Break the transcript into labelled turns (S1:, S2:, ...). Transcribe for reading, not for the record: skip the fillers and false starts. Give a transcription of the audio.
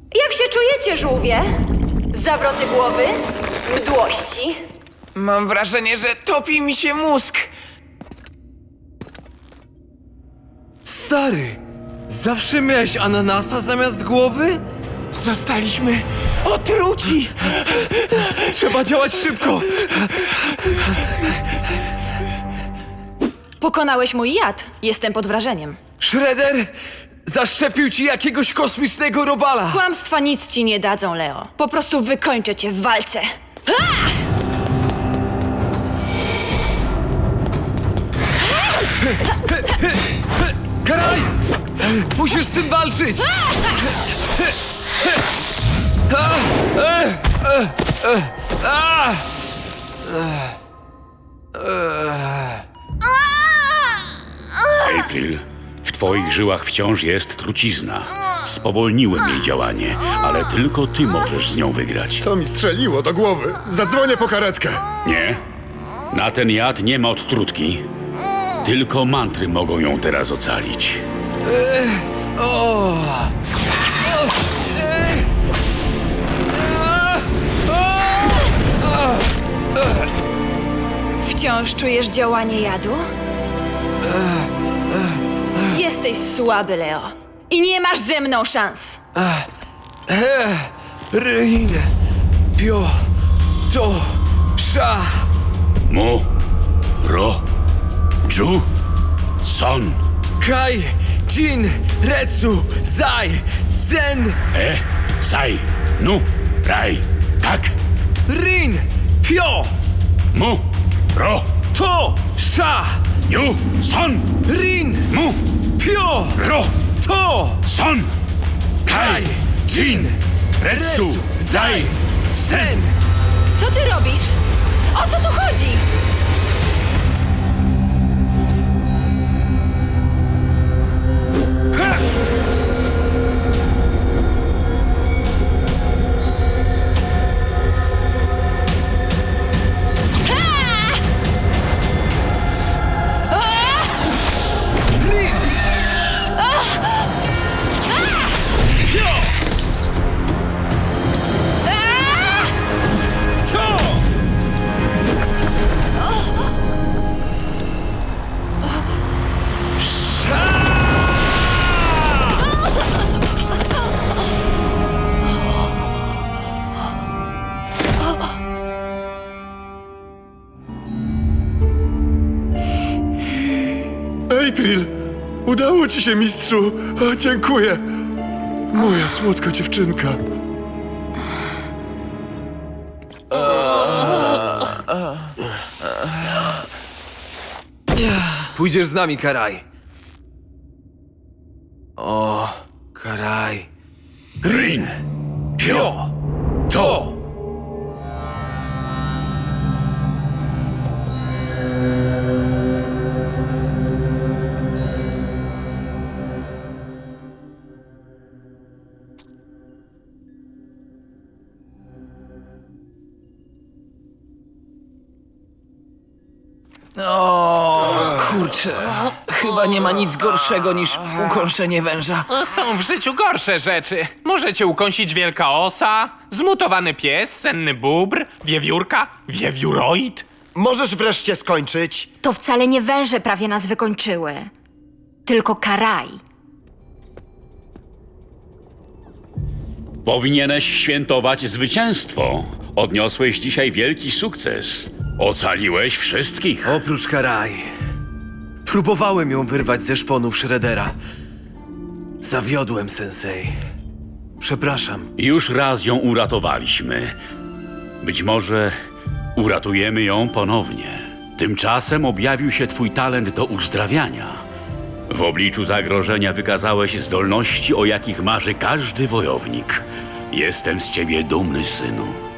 S1: Jak się czujecie, żółwie? Zawroty głowy? Mdłości?
S2: Mam wrażenie, że topi mi się mózg.
S3: Stary, zawsze miałeś ananasa zamiast głowy?
S2: Zostaliśmy otruci.
S3: Trzeba działać szybko!
S4: Pokonałeś mój jad. Jestem pod wrażeniem.
S3: Shredder zaszczepił ci jakiegoś kosmicznego robala!
S4: Kłamstwa nic ci nie dadzą, Leo. Po prostu wykończę cię w walce.
S3: Karaj! Musisz z tym walczyć!
S5: April, w twoich żyłach wciąż jest trucizna. Spowolniłem jej działanie, ale tylko ty możesz z nią wygrać.
S6: Co mi strzeliło do głowy? Zadzwonię po karetkę.
S5: Nie? Na ten jad nie ma odtrutki. Tylko mantry mogą ją teraz ocalić.
S4: Wciąż czujesz działanie jadu? Jesteś słaby, Leo. I nie masz ze mną szans.
S3: Rin, pio, to, sza.
S5: Mu, ro, dżu, son,
S3: Kai, Jin, Retsu, Zai, Zen,
S5: sai, nu, rai, kak,
S3: Rin, pio,
S5: mu, ro,
S3: to, sza,
S5: niu, son,
S3: Rin,
S5: mu,
S3: pio,
S5: ro,
S3: to,
S5: son, kai, jin, retsu, zai, zen.
S4: Co ty robisz? O co tu chodzi?
S3: Rin, pio, to.
S6: April, udało ci się, mistrzu. O, dziękuję. Moja słodka dziewczynka.
S3: Pójdziesz z nami, Karaj. O, Karaj.
S5: Rin,
S3: Pio, to.
S2: Kurczę, chyba nie ma nic gorszego niż ukąszenie węża.
S7: Są w życiu gorsze rzeczy. Możecie ukąsić wielka osa, zmutowany pies, senny bóbr, wiewiórka, wiewióroid.
S8: Możesz wreszcie skończyć?
S9: To wcale nie węże prawie nas wykończyły, tylko karaj.
S5: powinieneś świętować zwycięstwo. Odniosłeś dzisiaj wielki sukces. Ocaliłeś wszystkich.
S3: Oprócz Karaj. Próbowałem ją wyrwać ze szponów Shreddera. Zawiodłem, sensei. Przepraszam.
S5: Już raz ją uratowaliśmy. Być może uratujemy ją ponownie. Tymczasem objawił się twój talent do uzdrawiania. W obliczu zagrożenia wykazałeś zdolności, o jakich marzy każdy wojownik. Jestem z ciebie dumny, synu.